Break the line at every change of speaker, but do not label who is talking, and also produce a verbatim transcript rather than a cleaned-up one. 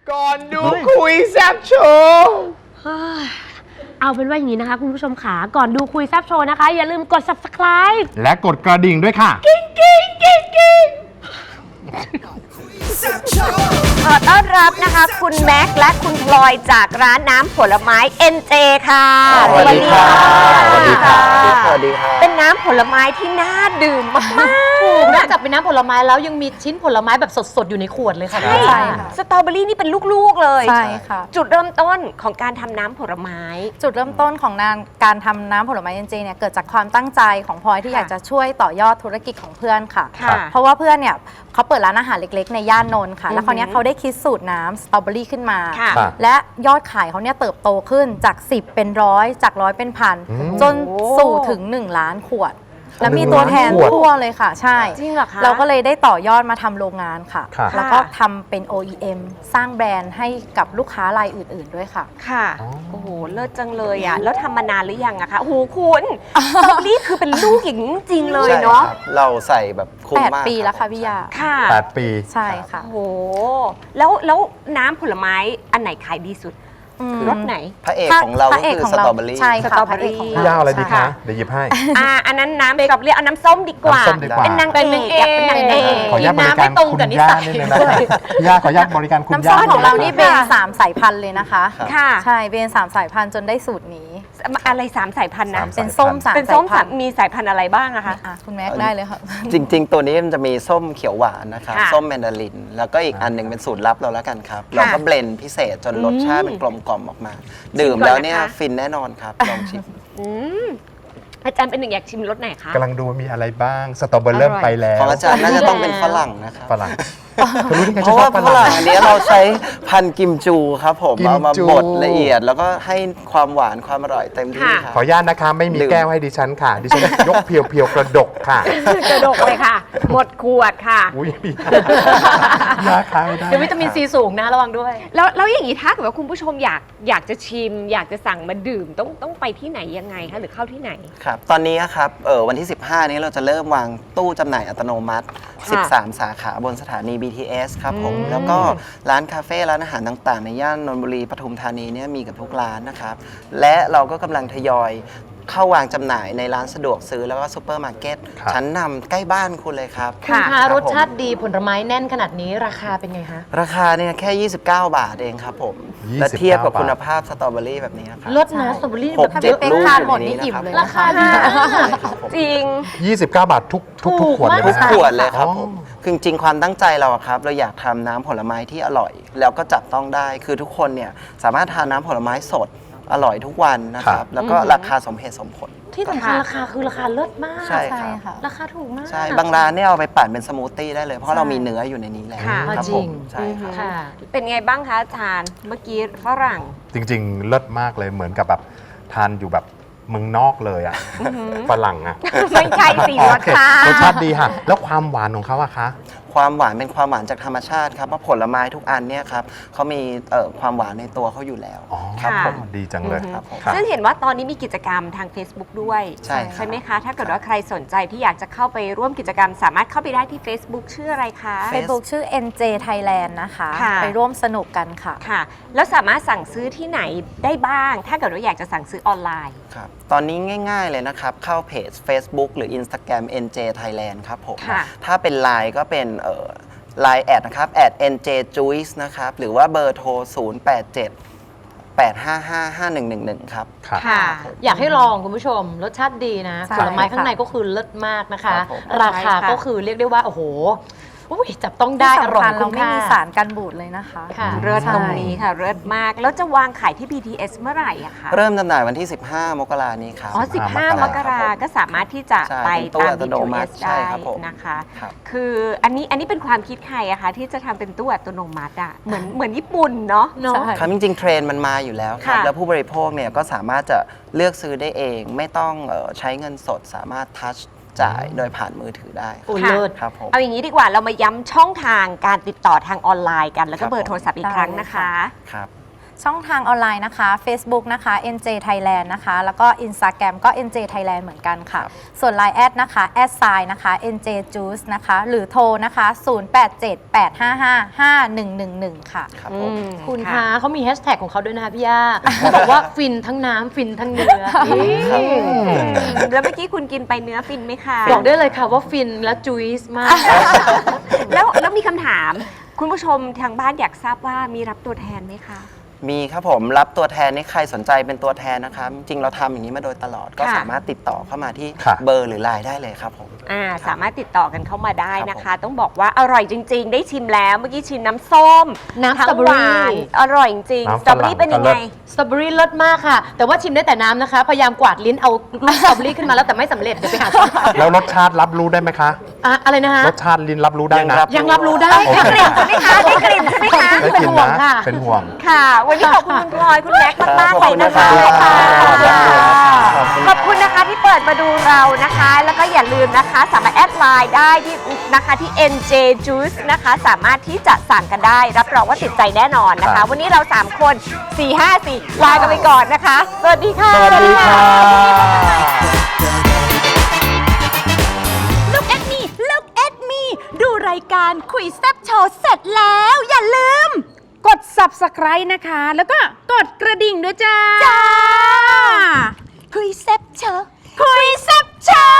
ก่อนดูคุยแซ่บโชว์
เอาเป็นว่าอย่างนี้นะคะคุณผู้ชมขาก่อนดูคุยแซ่บโชว์นะคะอย่าลืมกด ซับสไครบ์
และกดกระดิ่งด้วยค่ะ
กิ้งกิ้งกิ้งกิ้ง
ขอต้อนรับนะคะคุณแม็กซ์และคุณพลอยจากร้านน้ำผลไม้ เอ็น เจ ค่ะ
สวัสดีค่ะสวัสดีค่ะสวัสดีค่ะ
เป็นน้ำผลไม้ที่น่าดื่มมากๆ
นอกจากเป็นน้ำผลไม้แล้วยังมีชิ้นผลไม้แบบสดๆอยู่ในขวดเลยค่ะ
ใช่ค่ะสตรอเบอรี่นี่เป็นลูกๆเลย
ใช่ค่ะ
จุดเริ่มต้นของการทำน้ำผลไม้
จุดเริ่มต้นของงานการทำน้ำผลไม้เอ็นเจเนี่ยเกิดจากความตั้งใจของพลอยที่อยากจะช่วยต่อยอดธุรกิจของเพื่อนค่ะ
ค่ะ
เพราะว่าเพื่อนเนี่ยเขาเปิดร้านอาหารเล็กๆในย่านนนท์ค่ะแล้วคราวนี้เขาได้คิดสูตรน้ำสตรอเบอรี่ขึ้นมา
ค่ะ
และยอดขายเขาเนี่ยเติบโตขึ้นจากสิบเป็นร้อยจากร้อยเป็นพันจนสู่ถึงหนึ่งล้านขวด แล้วมีตัวแทนทั่วเลยค่ะใช่
จริงเหรอคะ
เราก็เลยได้ต่อยอดมาทำโรงงานค่ะ
ค่ะ
แล้วก็ทำเป็น โอ อี เอ็ม สร้างแบรนด์ให้กับลูกค้ารายอื่นๆด้วยค่ะ
ค่ะโอ้โหเลิศจังเลยอ่ะแล้วทำมานานหรือยังอะคะโอ้โหคุณสตรอเบอรี่คือเป็นลูกอย่างนี้จริงๆเลยเนาะ
ใช่ครับเราใส่แบบคุ้ม
แปด
มาก
ปีแล้วค่ะพี่ยา
ค่ะ
แปดปี
ใช่ค่ะ
โอ้โหแล้วแล้วน้ำผลไม้อันไหนขายดีสุด
อืม
รสไหน
พระเอกของเรา
พ
ก็
ระเอก
คือ
ของ
ส
เรา
ตรอเบอรี่
ใช่ค่ะ
สตรอเบอรี่
พะกขง
พี่
เ
ย่าอะไรดี
ใช่
คะ เดี๋ยวหยิบให้
อ่าอันนั้นน้ำสตรอเบอรี่เอาน้ำส้มดีกว่า
น้ำส้มดีกว่า
เป็นนางเอกอยากเป็นนางเอก
ขออนุญาตบริการคุณย่านิดนึงนะคะพี่ย่าขออนุญาตบริการคุณ
น้ำ
ย่า
ส้มของเรานี่
ด
เป็น
งะคะ
สามสายพันธุ์เลยนะคะ
ค่ะ
ใช่เป็นสามสายพันธุ์จนได้สูตรนี้
อะไรสามสายพันธุ์นะ
สาม
เป็นส้มสาม
เป็น
สา
ส้
ย
ม
พั
สาม
นธุ์
มีสายพันธุ์อะไรบ้างอะคะ
อ่ะคุณแม็กได้เลยค่ะ
จริง ๆ ตัวนี้มันจะมีส้มเขียวหวานนะครับ
ค่ะ
ส้มแมนดาริน แล้วก็อีกอันหนึ่งเป็นสูตรลับเราแล้วกันครับ เราก็เบลนด์พิเศษจนรสชาติเป็นกลมกล่อมออกมา ดื่มแล้วเนี่ย
ชิมก่อนนะคะ
ฟินแน่นอนครับ ลองชิม
อืมอาจารย์เป็นหนึ่งอยากชิมรสไหนคะ
กำลังดูว่ามีอะไรบ้าง สตรอเบอร์เริ่มไปแล้ว
ของอาจารย์น่าจะต้องเป็นฝรั่งนะครับ
ฝรั่งคุณรู้ได้ไง
เพ
ฉัน
ราะ
ช
ว่า
อบฝ
ฝ
รั่
รั่
ง
งอันนี้เราใช้พันธุ์กิมจูครับผม
กิมจู
เอามาบดละเอียด แล้วก็ให้ความหวานความอร่อยเต็มที่ครับ
ขออนุญาตนะคะไม่มี
ดื่ม
แก้วให้ดิฉันค่ะ ดิฉันยกเพียวๆกระดกค่ะ
กระดกเลยค่ะ หมดขวดค่ะ
อุ้ยพี่ยาค้าไม่ได้
เดี๋ยววิตามินซีสูงนะระวังด้วย
แล้วแล้วอย่างนี้ถ้าเกิดว่าคุณผู้ชมอยากอยากจะชิม อยากจะสั่งมาดื่มต้องต้องไปที่ไหนยังไงคะหรือเข้าที่ไหน
ครับ ตอนนี้ครับเออวันที่ สิบห้า นี้เราจะเริ่มวางตู้จำหน่ายอัตโนมัติ
ค่ะ
สิบสาม สาขาบนสถานี บี ที เอส ครับผม แล้วก็ร้านคาเฟ่ ร้านอาหารต่างๆ ในย่านนนทบุรีปทุมธานีเนี่ยมีกับทุกร้านนะครับ และเราก็กำลังทยอยเข้าวางจำหน่ายในร้านสะดวกซื้อแล้วก็ซูเปอร์มาร์เก็ต
ครับ
ชั้นนำใกล้บ้านคุณเลยครับ
คุณ
ค่ะ
คะ
บ
รสชาติ
ผม
ดีผลไม้แน่นขนาดนี้ราคาเป็นไงคะ
ราคาเนี่ยแค่ ยี่สิบเก้า บาทเองครับผม
ยี่สิบเก้า
และเทียบกับ
บาท
คุณภาพสตรอเบอรี่แบบนี้นะครับ
รสนะสตรอเบอรี่
ห
แบ
ก
บ
เจ็ด
เป็น
ลูก
ทาน
อยู่
หมด
ใน
นี่
นี้
อิ่ม
นะครับ
เลย
รา
นะ
คา
คะ
ดีมาก
ครับผม
จริง
ยี่สิบเก้าบาททุกทุกทุกขวดเลย
ทุก
นะ
ขวดเลยครับ
อ๋อ
ผมคือจริงๆความตั้งใจเราอะครับ เราอยากทำน้ำผลไม้ที่อร่อย แล้วก็จับต้องได้ คือทุกคนเนี่ยสามารถทานน้ำผลไม้สดอร่อยทุกวันนะครับ แล้วก็ราคาสมเหตุสมผล
ที่สำคัญราคาคือราคาเลิศมาก
ใช่
ใช่
ครับ
ค่ะ
ราคาถูกมาก
ใช่ บางร้านเนี่ยเอาไปปั่นเป็นสมูทตี้ได้เลย เพราะเรามีเนื้ออยู่ในนี้แล้ว
ค่ะ
ครับ
จริ
ผ
ง
มใช่ครับ
ค่ะ
เป็นไงบ้างคะอาจารย์เมื่อกี้ฝรั่ง
จริงๆ เลิศมากเลยเหมือนกับแบบทานอยู่แบบเมืองนอกเลยอ่ะฝรั่งอ่ะ
ไม่ใช่สิรสชาติ
รสชาติดีค่ะ แล้วความหวานของเขาอะคะ
ความหวานเป็นความหวานจากธรรมชาติครับเพราะผลไม้ทุกอันเนี่ยครับเขามีเอ่อความหวานในตัวเขาอยู่แล้ว
อ๋อ
ครับ
ค่ะ
ผม
ดีจังเลย
ครับผม
ค่ะ
ซึ่งเห็นว่าตอนนี้มีกิจกรรมทาง Facebook ด้วย
ใช่ครับ
ไหมคะ ถ้าเกิดว่าใครสนใจที่อยากจะเข้าไปร่วมกิจกรรม สามารถเข้าไปได้ที่ Facebook ชื่ออะไรคะ
Facebook ชื่อ เอ็น เจ Thailand นะคะ
ค่ะ
ไปร่วมสนุกกันค่ะ
ค่ะ แล้วสามารถสั่งซื้อที่ไหนได้บ้าง ถ้าเกิดว่าอยากจะสั่งซื้อออนไลน์
ครับตอนนี้ง่ายๆเลยนะครับ เข้าเพจ Facebook หรือ Instagram เอ็น เจ Thailand ครับผม
ค่ะ
ถ้าเป็น ไลน์ ก็เป็นเอ่อ ไลน์ แอดนะครับแอด เอ็น เจ juice นะครับ หรือว่าเบอร์โทร ศูนย์ แปด เจ็ด แปด ห้า ห้า ห้า หนึ่ง หนึ่ง หนึ่ง ครับ
ครับ
ค่ะ
อยากให้ลองคุณผู้ชม รสชาติดีนะ
ใช่
ผลไม้ข้างใน
ค่ะ
ก็คือเลิศมากนะคะ
ครับผม
ราคา
ใช่ค่ะ
ก็คือเรียกได้ว่า โอ้โหอุ๊ยจับต้องได้
ที่
อร่อย
สำคัญเรา
คุ้ม
ไม่
ค่า
มีสารกันบูดเลยนะคะ
ค่ะ
เลิศ
ใช่
ตรงนี้ค่ะเลิศมาก แล้วจะวางขายที่ บี ที เอส เมื่อไหร่อะคะ
เริ่มจำหน่ายวันที่ สิบห้า มกรานี้ครับ
อ๋อ สิบห้า มกราก็สามารถที่จะ
ใช่
ไป
เป็นตู้
ตาม
อัตโนมัติ
บี ที เอส
ใช่
ได้
ครับผม
นะคะ
ครับ
คืออันนี้อันนี้เป็นความคิดใครอะคะที่จะทำเป็นตู้อัตโนมัติอะเหมือนเหมือนญี่ปุ่นเนาะ
เนาะ
ใช่
ครับจริงๆเทรนด์มันมาอยู่แล้วครับ
ค่ะ
แล้วผู้บริโภคเนี่ยก็สามารถจะเลือกซื้อได้เอง ไม่ต้องเอ่อใช้เงินสดสามารถทัชจ่ายโดยผ่านมือถือได้ค
โอ้
รับ
เลิศ
ครับผม
เอาอย่างนี้ดีกว่าเรามาย้ำช่องทางการติดต่อทางออนไลน์กัน แล้วก็
ครับ
เบอร์โทรศัพท์อีก
ได้
ครั้ง
เลย
นะคะ
ค่ะ
ครับ
ช่องทางออนไลน์นะคะ Facebook นะคะ เอ็น เจ Thailand นะคะ แล้วก็ Instagram ก็ เอ็น เจ Thailand เหมือนกันค่ะ ส่วน ไลน์ แอดนะคะ แอดไซน์นะคะ เอ็น เจ Juice นะคะ หรือโทรนะคะ ศูนย์ แปด เจ็ด แปด ห้า ห้า ห้า หนึ่ง หนึ่ง หนึ่ง ค่ะ
ครับผม
คุณคะเขามีแฮชแท็กของเขาด้วยนะคะพี่ย่าเขาบอกว่าฟินทั้งน้ำฟินทั้งเนื้อนี่
แล้วเมื่อกี้คุณกินไปเนื้อฟินไหมคะ
บอกได้เลยค่ะว่าฟินและจุยส์มาก
แล้วแล้วมีคำถาม คุณผู้ชมทางบ้านอยากทราบว่ามีรับตัวแทนไหมคะ
มีครับผมรับตัวแทนนี่ใครสนใจเป็นตัวแทนนะครับ จริงเราทำอย่างนี้มาโดยตลอดก็
ค่ะ
สามารถติดต่อเข้ามาที่
ค่ะ
เบอร์หรือไลน์ได้เลยครับผม
อ่าสามารถติดต่อกันเข้ามาได้นะ
ครั
คะ
บผม
ต้องบอกว่าอร่อยจริง ๆ ได้ชิมแล้วเมื่อกี้ชิมน้ำส้ม
น้ำ
ทั้ง
สตรอเบอรี่
หวานอร่อยจริงๆ
น้ำ
สตรอเบอรี่
ฝรั่ง
เป็นยังไง
ก็เลิศ
สตรอเบอรี่เลิศมากค่ะ แต่ว่าชิมได้แต่น้ำนะคะ พยายามกวาดลิ้นเอาลูกสตรอเบอรี่ขึ้นมาแล้วแต่ไม่สำเร็จเดี๋ยวไปหาซื้อ
แล้วรสชาติรับรู้ได้ไหมคะ
อะอะไรนะคะ
รสชาติลิ้นรับรู้ได้นะ
ยังรับรู้ได้
โอ
ได้
เค
กลิ่นใช่ไหมคะได้กลิ่นใช่ไหมคะ
ได้กิน
เป็นห่วง
นะ
ค่ะ
เป็นห่วง
ค่ะ วันนี้ขอบคุณคุณพลอยคุณแม็กซ์มากๆ
ข
เล
อบ
ย
คุณ
นะคะ
ขอบคุณ
ขอบคุณนะคะที่เปิดมาดูเรานะคะ แล้วก็อย่าลืมนะคะ สามารถแอดไลน์ได้ที่นะคะที่ เอ็น เจ Juice นะคะ สามารถที่จะสั่งกันได้ รับรองว่าติดใจแน่นอนนะ
ครั
คะ
บ
วันนี้เรา สาม คน สี่ ห้า สี่ ลากันไปก่อนนะคะ สวัสดีค่ะ
สวัสดีค่ะ
Look at me Look at me ดูรายการคุยแซ่บโชว์เสร็จแล้ว อย่าลืม
กด Subscribe นะคะ แล้วก็กดกระดิ่งด้วยจ้า
จ้า คุยแซ่บโชว์คุยแซ่บโชว์